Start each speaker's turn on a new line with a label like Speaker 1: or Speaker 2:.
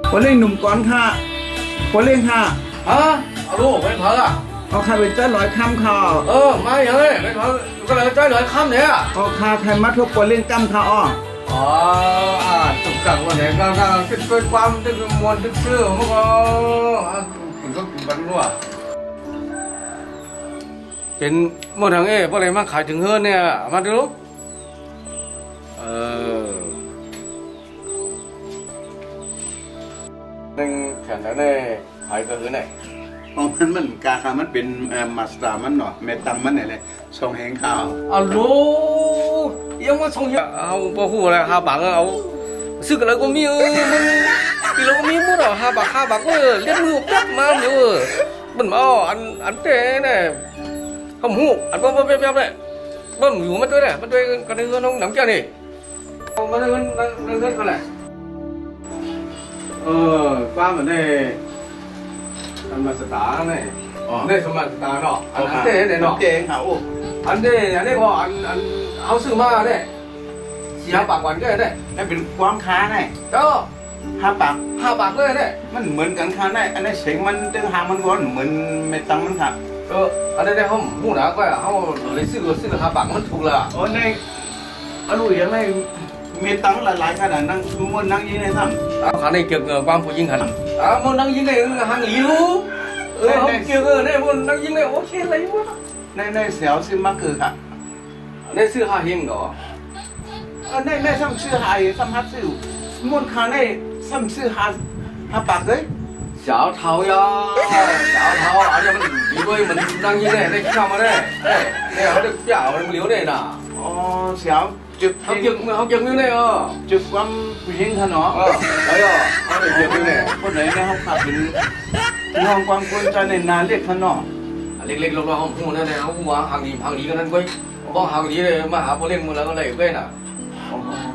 Speaker 1: คนเล่นหนุ่มก้อนค่ะคนเล่นค่ะ
Speaker 2: ฮะเอาลูกไปเถอะ
Speaker 1: เอาใครเป็นเจ้าร้อยคำค่ะ
Speaker 2: มาอย่างนี้ไปเถอะก็เลยใจเลยคำเนี่ย
Speaker 1: เอาคาใครมาทุกคนเล่นกำค่ะอ้อ
Speaker 2: ตุกกังวันไหนก็เป็นความเป็นมวลเป็นชื่อมันก็คุณก็กินกันด้วยเป็นเมื่อทางเพราะอะไรมาขายถึงเฮือนเนี่ยมาดูหนึ่งแขนแล้วเนี่ยขายก็คือไหน
Speaker 1: อ๋อมันกาค่ะมันเป็นมาสเตอร์มันเนาะแม่ตังมันเนี่ยเลยส่งแหงข่าว
Speaker 2: Alo, em có xong hiện bảo hộ là Hà Bảng áo sự cái có mi thì nó có mi mua rồi Hà Bảng ơi liên mưu cắt mà nhiều bẩn bao ăn thế này không hú ăn bao bao này bẩn nhiều mất đấy mất đây cái này nó nóng kia này mất đây nó cái này qua bên đây ăn mà sả này đây xong mà sả nọ ăn thế này nọ
Speaker 1: เจ๋งค่ะโอ้
Speaker 2: anh đây có anh áo sư ma đây chỉ hai bạc quán cái đây
Speaker 1: นั่นเป็นความค้าไง
Speaker 2: đó
Speaker 1: 5 บาท
Speaker 2: hai bạc đây đây
Speaker 1: มันเหมือนกันค่ะไงอันนี้เสียงมันตึงหางมันก้อนเหมือนแม่ตังมันค่ะ
Speaker 2: anh đây không mua đá quay à không lấy sư hai bạc mất thuộc là
Speaker 1: โอ้ในอร่อยยังไงแม่ตังหลายๆขนาดนั่งมันนั่งยี่ในถ้ำ
Speaker 2: khả này kiểu quan phụ dinh hẳn muốn năng dinh này hàng lý luôn không kiểu này muốn năng dinh này ok lấy quá
Speaker 1: ในเสียวซื้อมาคือค่ะ
Speaker 2: đây sư hà hiền đó
Speaker 1: ในซ้ำซื้อหายซ้ำฮัดซื้อมวนค้าในซ้ำซื้อหาปากเลย
Speaker 2: 小桃呀小桃而且因为我们năng dinh này đây sao mà đây đây họ được表liếu này nè
Speaker 1: อ๋อเสียวจุด
Speaker 2: học chừng như này
Speaker 1: จุดความผู้หญิงค่ะเนาะ
Speaker 2: đấy rồi họ được chừng như này
Speaker 1: คนไหนในห้องขับเป็นน้องความควรใจในนานเรียกค่ะเนาะ
Speaker 2: เล็กๆเราของผู้นั่นแหละเขาหัวhàng gì cáiนั้นquay có hàng gì này mà hả có lên một là có lẩy quên à